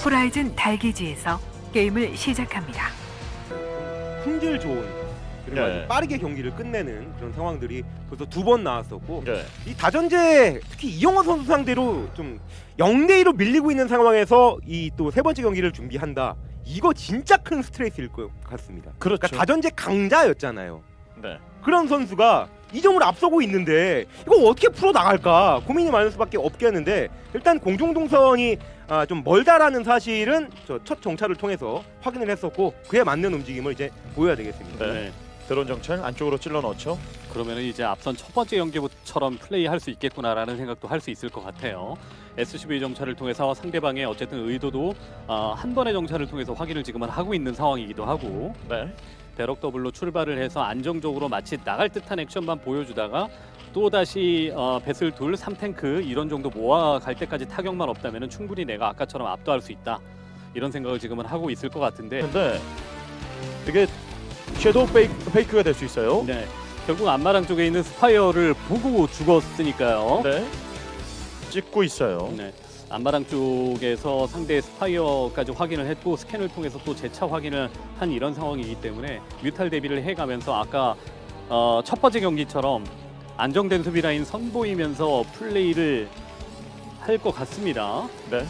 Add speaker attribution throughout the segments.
Speaker 1: 호라이즌 달기지에서 게임을 시작합니다.
Speaker 2: 품질 좋은 그리고
Speaker 3: 네.
Speaker 2: 아주 빠르게 경기를 끝내는 그런 상황들이 벌써 2번 나왔었고
Speaker 3: 네.
Speaker 2: 이 다전제 특히 이영호 선수 상대로 좀 0대2로 밀리고 있는 상황에서 이 또 세 번째 경기를 준비한다. 이거 진짜 큰 스트레스일 것 같습니다.
Speaker 3: 그렇죠.
Speaker 2: 그러니까 다전제 강자였잖아요.
Speaker 3: 네.
Speaker 2: 그런 선수가 2점을 앞서고 있는데 이거 어떻게 풀어 나갈까 고민이 많을 수밖에 없겠는데 일단 공중동선이 좀 멀다라는 사실은 저 첫 정찰을 통해서 확인을 했었고 그에 맞는 움직임을 이제 보여야 되겠습니다.
Speaker 3: 네. 드론 정찰 안쪽으로 찔러 넣죠.
Speaker 4: 그러면은 이제 앞선 첫 번째 경기처럼 플레이할 수 있겠구나라는 생각도 할 수 있을 것 같아요. SCV 정찰을 통해서 상대방의 어쨌든 의도도 한 번의 정찰을 통해서 확인을 지금은 하고 있는 상황이기도 하고
Speaker 3: 네.
Speaker 4: 배럭 더블로 출발을 해서 안정적으로 마치 나갈 듯한 액션만 보여주다가 또 다시 배슬 둘 3탱크 이런 정도 모아갈 때까지 타격만 없다면 충분히 내가 아까처럼 압도할 수 있다 이런 생각을 지금은 하고 있을 것 같은데
Speaker 3: 근데 이게 섀도우 페이크가 될 수 있어요.
Speaker 4: 네, 결국 안마랑 쪽에 있는 스파이어를 보고 죽었으니까요.
Speaker 3: 네. 찍고 있어요.
Speaker 4: 네. 안마랑 쪽에서 상대의 스파이어까지 확인을 했고 스캔을 통해서 또 재차 확인을 한 이런 상황이기 때문에 뮤탈 대비를 해가면서 아까 첫 번째 경기처럼 안정된 수비 라인 선보이면서 플레이를 할 것 같습니다.
Speaker 3: 네.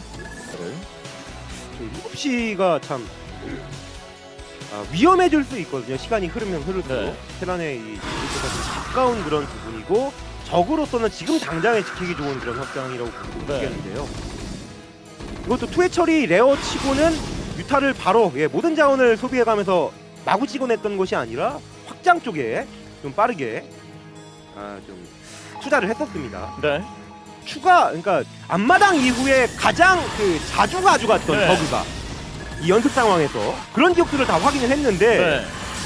Speaker 2: 7시가 참 위험해질 수 있거든요. 시간이 흐르면 흐를수록
Speaker 3: 네.
Speaker 2: 테란의 이 지금보다 좀 가까운 그런 부분이고 적으로서는 지금 당장에 지키기 좋은 그런 확장이라고 보겠는데요. 이것도 투회 처리 레어치고는 뮤타를 바로 모든 자원을 소비해가면서 마구 찍어냈던 것이 아니라 확장 쪽에 좀 빠르게 좀 투자를 했었습니다.
Speaker 3: 네.
Speaker 2: 그러니까 앞마당 이후에 가장 자주 가져갔던
Speaker 3: 네.
Speaker 2: 버그가 이 연습 상황에서 그런 기억들을 다 확인을 했는데
Speaker 3: 네.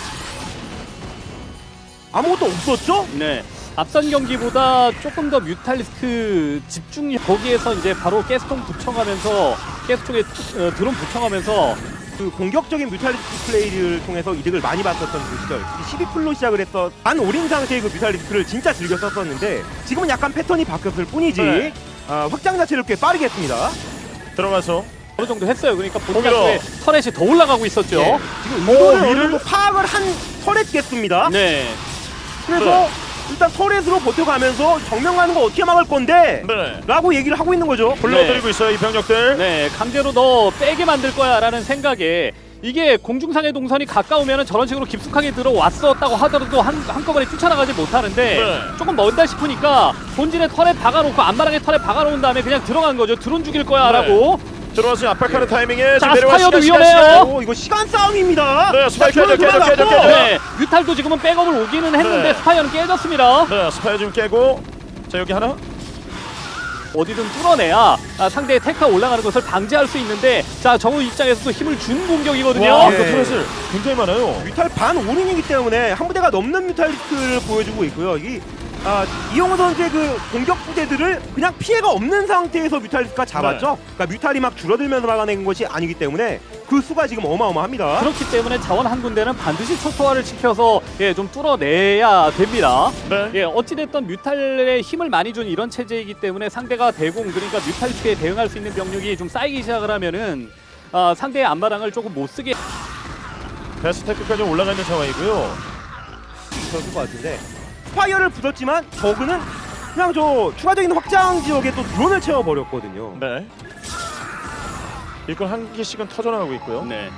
Speaker 2: 아무것도 없었죠?
Speaker 4: 네. 앞선 경기보다 조금 더 뮤탈리스크 집중 거기에서 이제 바로 가스통 붙여가면서 가스통에 드론 붙여가면서
Speaker 2: 그 공격적인 뮤탈리스크 플레이를 통해서 이득을 많이 봤었던 그 시절 12풀로 시작을 해서 반 올인 상태의 그 뮤탈리스크를 진짜 즐겨 썼었는데 지금은 약간 패턴이 바뀌었을 뿐이지
Speaker 3: 네.
Speaker 2: 확장 자체를 꽤 빠르게 했습니다.
Speaker 3: 들어가서
Speaker 4: 어느 정도 했어요. 그러니까 본인의
Speaker 3: 거기로.
Speaker 4: 터렛이 더 올라가고 있었죠.
Speaker 2: 예, 지금 이거를 어느
Speaker 3: 위를
Speaker 2: 정도 파악을 한 터렛겠습니다.
Speaker 4: 네.
Speaker 2: 그래서 일단 터렛으로 버텨가면서 정면가는 거 어떻게 막을 건데?
Speaker 3: 네.
Speaker 2: 라고 얘기를 하고 있는 거죠.
Speaker 3: 불러들이고 있어요 이 병력들.
Speaker 4: 네, 강제로 너 빼게 만들 거야라는 생각에 이게 공중상의 동선이 가까우면 저런 식으로 깊숙하게 들어왔었다고 하더라도 한꺼번에 뛰쳐나가지 못하는데
Speaker 3: 네.
Speaker 4: 조금 멀다 싶으니까 본진에 터렛 박아놓고 안마랑에 터렛 박아놓은 다음에 그냥 들어간 거죠. 드론 죽일 거야라고.
Speaker 3: 들어와서 압박하는 타이밍에
Speaker 4: 자,
Speaker 3: 지금 내려와
Speaker 4: 스파이어도
Speaker 3: 시간,
Speaker 4: 위험해요.
Speaker 2: 오, 이거 시간 싸움입니다.
Speaker 3: 네, 스파이
Speaker 2: 자,
Speaker 3: 깨져, 깨져, 깨져, 깨져.
Speaker 4: 네, 뮤탈도 지금은 백업을 오기는 했는데
Speaker 3: 네.
Speaker 4: 스파이어는 깨졌습니다.
Speaker 3: 네, 스파이어 좀 깨고. 자 여기 하나.
Speaker 4: 어디든 뚫어내야 상대의 테크가 올라가는 것을 방지할 수 있는데 자 정우 입장에서도 힘을 준 공격이거든요.
Speaker 3: 와,
Speaker 2: 네.
Speaker 3: 이거 트롯을 굉장히 많아요.
Speaker 2: 뮤탈 반 올인이기 때문에 한 부대가 넘는 뮤탈리스크를 보여주고 있고요. 이영호 선수의 그 공격 부대들을 그냥 피해가 없는 상태에서 뮤탈리스크가 잡았죠. 그러니까 뮤탈이 막 줄어들면서 막아낸 것이 아니기 때문에 그 수가 지금 어마어마합니다.
Speaker 4: 그렇기 때문에 자원 한 군데는 반드시 초토화를 시켜서 좀 뚫어내야 됩니다.
Speaker 3: 네.
Speaker 4: 어찌됐든 뮤탈의 힘을 많이 준 이런 체제이기 때문에 상대가 대공 그러니까 뮤탈리스크에 대응할 수 있는 병력이 좀 쌓이기 시작을 하면은 상대의 안마랑을 조금 못 쓰게.
Speaker 3: 베스테크까지 올라가 있는 상황이고요.
Speaker 2: 있었을 것 같은데 스파이어를 부쉈지만 저그는 그냥 저 추가적인 확장 지역에 또 드론을 채워버렸거든요.
Speaker 3: 네. 일꾼 한 개씩은 터져나가고 있고요.
Speaker 4: 네.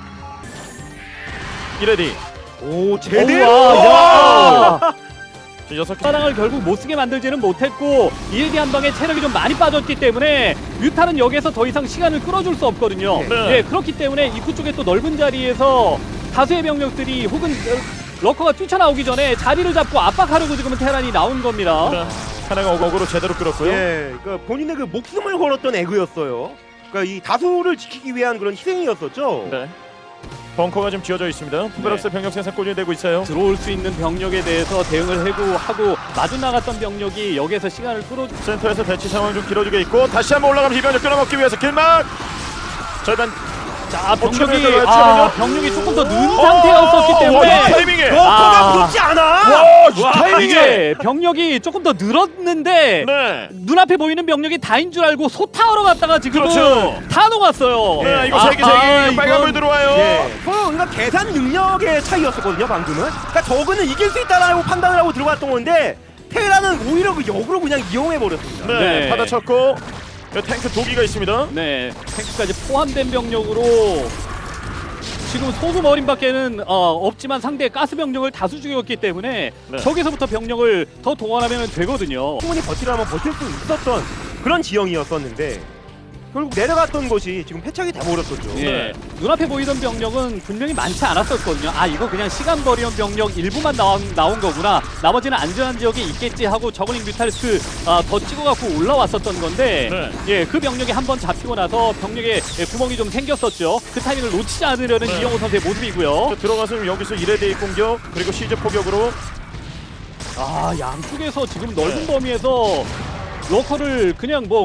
Speaker 3: 이레디.
Speaker 2: 오 제대로!
Speaker 4: 야!
Speaker 3: 6개.
Speaker 4: 안마랑을 결국 못 쓰게 만들지는 못했고 일기 한 방에 체력이 좀 많이 빠졌기 때문에 뮤탈은 여기에서 더 이상 시간을 끌어줄 수 없거든요.
Speaker 3: 네.
Speaker 4: 그렇기 때문에 입구 쪽에 또 넓은 자리에서 다수의 병력들이 혹은 러커가 뛰쳐나오기 전에 자리를 잡고 압박하려고 지금은 테란이 나온 겁니다.
Speaker 3: 네. 하나가 어거로 제대로 끌었고요.
Speaker 2: 예, 그러니까 본인의 그 목숨을 걸었던 에그였어요. 그러니까 이 다수를 지키기 위한 그런 희생이었었죠.
Speaker 3: 네. 벙커가 지금 지어져 있습니다. 푸베럭스 병력 생산 꾸준히 되고 있어요.
Speaker 4: 들어올 수 있는 병력에 대해서 대응을 하고 마주 나갔던 병력이 여기에서 시간을 끌어주.
Speaker 3: 센터에서 대치 상황 좀 길어지고 있고 다시 한번 올라가면서 이 병력 끊어먹기 위해서 길막 절반
Speaker 4: 자,
Speaker 3: 최면이
Speaker 4: 병력이
Speaker 3: 들어가요,
Speaker 4: 병력이 조금 더 는 상태였었기
Speaker 3: 이
Speaker 4: 때문에
Speaker 3: 타이밍에.
Speaker 2: 러커가 붙지 않아.
Speaker 3: 이 타이밍에.
Speaker 4: 이게 병력이 조금 더 늘었는데
Speaker 3: 네.
Speaker 4: 눈앞에 보이는 병력이 다인 줄 알고 소타하러 갔다가 지금은
Speaker 3: 그렇죠.
Speaker 4: 다 녹았어요.
Speaker 3: 네, 이거 세개 빨간불 들어와요.
Speaker 2: 예. 그러니까 계산 능력의 차이였었거든요, 방금은. 그러니까 저그는 이길 수 있다라고 판단을 하고 들어갔던 건데 테라는 오히려 그 역으로 그냥 이용해 버렸습니다.
Speaker 3: 네,
Speaker 4: 네.
Speaker 3: 받아쳤고 탱크 도기가 있습니다.
Speaker 4: 네, 탱크까지 포함된 병력으로 지금 소수 머린밖에는 없지만 상대의 가스 병력을 다수 죽였기 때문에
Speaker 3: 네.
Speaker 4: 저기서부터 병력을 더 동원하면 되거든요.
Speaker 2: 충분히 버티려면 버틸 수 있었던 그런 지형이었었는데 결국 내려갔던 것이 지금 패착이 돼버렸었죠.
Speaker 4: 예,
Speaker 3: 네.
Speaker 4: 눈앞에 보이던 병력은 분명히 많지 않았었거든요. 아, 이거 그냥 시간 버리는 병력 일부만 나온 거구나. 나머지는 안전한 지역에 있겠지 하고 저글링 뮤탈리스크 더 찍어갖고 올라왔었던 건데
Speaker 3: 네.
Speaker 4: 예, 그 병력이 한번 잡히고 나서 병력에 구멍이 좀 생겼었죠. 그 타이밍을 놓치지 않으려는
Speaker 3: 네.
Speaker 4: 이영호 선수의 모습이고요.
Speaker 3: 들어가서 여기서 1회대의 공격 그리고 시즈 포격으로
Speaker 4: 아, 양쪽에서 지금 넓은 범위에서 러커를 그냥 뭐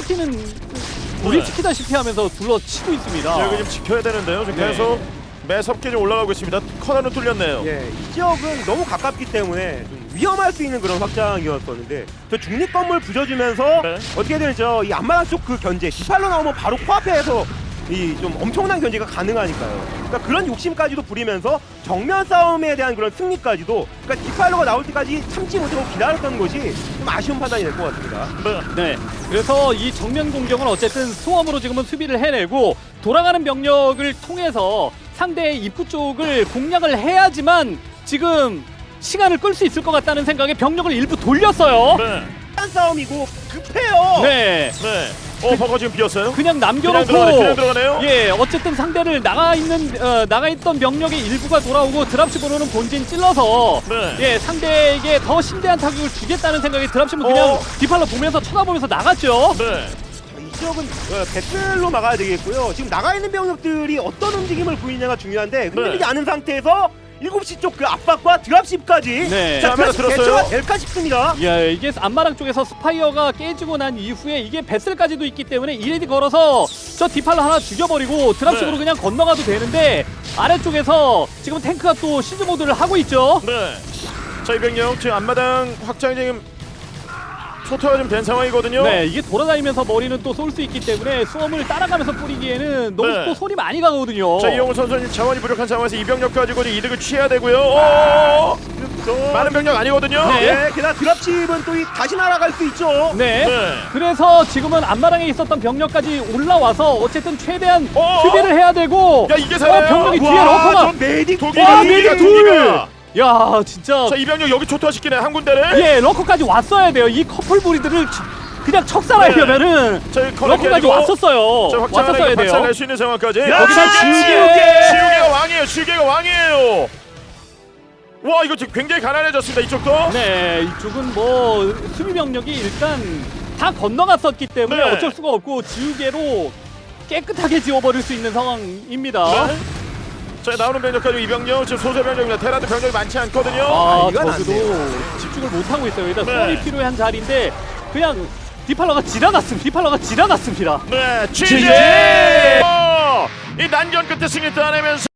Speaker 4: 고립시키다시피 하면서 둘러치고 있습니다.
Speaker 3: 여기 좀 지켜야 되는데요. 지금
Speaker 4: 네.
Speaker 3: 계속 매섭게 좀 올라가고 있습니다. 커널은 뚫렸네요.
Speaker 2: 예, 이 지역은 너무 가깝기 때문에 좀 위험할 수 있는 그런 확장이었었는데 저 중립 건물 부셔주면서
Speaker 3: 네.
Speaker 2: 어떻게 되죠? 이 앞마당 쪽 그 견제 디팔로 나오면 바로 코앞에서 이 좀 엄청난 견제가 가능하니까요. 그러니까 그런 욕심까지도 부리면서 정면 싸움에 대한 그런 승리까지도 그러니까 디팔로가 나올 때까지 참지 못하고 기다렸던 것이 좀 아쉬운 판단이 될 것 같습니다.
Speaker 4: 네, 그래서 이 정면 공격은 어쨌든 수험으로 지금은 수비를 해내고 돌아가는 병력을 통해서 상대의 입구 쪽을 공략을 해야지만 지금 시간을 끌 수 있을 것 같다는 생각에 병력을 일부 돌렸어요.
Speaker 3: 네.
Speaker 2: 한 싸움이고 급해요.
Speaker 4: 네,
Speaker 3: 네. 버거 지금 비었어요.
Speaker 4: 그냥
Speaker 3: 그냥
Speaker 4: 남겨놓고
Speaker 3: 들어가네요.
Speaker 4: 예, 어쨌든 상대를 나가 있던 병력의 일부가 돌아오고 드랍십으로는 본진 찔러서
Speaker 3: 네.
Speaker 4: 예, 상대에게 더 심대한 타격을 주겠다는 생각에 드랍십은 그냥 디팔로 보면서 쳐다보면서 나갔죠.
Speaker 3: 네.
Speaker 2: 이 지역은 배틀로 막아야 되겠고요. 지금 나가 있는 병력들이 어떤 움직임을 보이냐가 중요한데 흔들리지
Speaker 3: 네.
Speaker 2: 않은 상태에서 7시 쪽 그 압박과 드랍십까지
Speaker 4: 네.
Speaker 2: 자,
Speaker 3: 카메라
Speaker 2: 드랍십
Speaker 3: 들었어요?
Speaker 2: 대처가 될까 싶습니다.
Speaker 4: 예, 이게 앞마당 쪽에서 스파이어가 깨지고 난 이후에 이게 베슬까지도 있기 때문에 이레디 걸어서 저 디팔로 하나 죽여버리고 드랍식으로
Speaker 3: 네.
Speaker 4: 그냥 건너가도 되는데 아래쪽에서 지금 탱크가 또 시즈 모드를 하고 있죠.
Speaker 3: 네. 자, 이 병력 지금 앞마당 확장이 지금 초토화 좀 된 상황이거든요.
Speaker 4: 네, 이게 돌아다니면서 머리는 또 쏠 수 있기 때문에 수험을 따라가면서 뿌리기에는 너무
Speaker 3: 네.
Speaker 4: 또 손이 많이 가거든요.
Speaker 3: 자, 이용훈 선수는 자원이 부족한 상황에서 이 병력 가지고 이득을 취해야 되고요. 많은 병력 아니거든요.
Speaker 4: 네.
Speaker 2: 네, 게다가 드랍십은 또 다시 날아갈 수 있죠.
Speaker 4: 네.
Speaker 3: 네.
Speaker 4: 그래서 지금은 앞마당에 있었던 병력까지 올라와서 어쨌든 최대한
Speaker 3: 어?
Speaker 4: 수비를 해야 되고
Speaker 3: 야, 이게 사나요?
Speaker 4: 병력이 뒤에
Speaker 2: 와,
Speaker 4: 러커가
Speaker 2: 저 메딕
Speaker 3: 독이가
Speaker 4: 메딕
Speaker 3: 독이가.
Speaker 4: 야, 진짜
Speaker 3: 자, 이 병력 여기 초토화시키네 한 군데를.
Speaker 4: 예, 러커까지 왔어야 돼요. 이 커플 브리드를 그냥 척살하려면은
Speaker 3: 자,
Speaker 4: 러커까지 왔었어요.
Speaker 3: 자,
Speaker 4: 왔었어야
Speaker 3: 확장하게
Speaker 4: 돼요.
Speaker 3: 박살낼 수 있는 상황까지.
Speaker 2: 야,
Speaker 3: 거기다
Speaker 2: 지우개!
Speaker 3: 지우개가 왕이에요. 지우개가 왕이에요. 와, 이거 지금 굉장히 가난해졌습니다. 이쪽도.
Speaker 4: 네, 이쪽은 뭐 수비 병력이 일단 다 건너갔었기 때문에
Speaker 3: 네.
Speaker 4: 어쩔 수가 없고 지우개로 깨끗하게 지워버릴 수 있는 상황입니다.
Speaker 3: 네. 자, 나오는 병력까지 이 병력 지금 소수 병력입니다. 테라도 병력이 많지 않거든요.
Speaker 4: 아,
Speaker 2: 이건 안
Speaker 4: 저기도 집중을 못하고 있어요. 일단
Speaker 3: 네.
Speaker 4: 수험이 필요한 자리인데 그냥 디팔러가 지나갔습니다.
Speaker 3: 네,
Speaker 4: GG!
Speaker 3: GG! 이 난전 끝에 승리 따내면서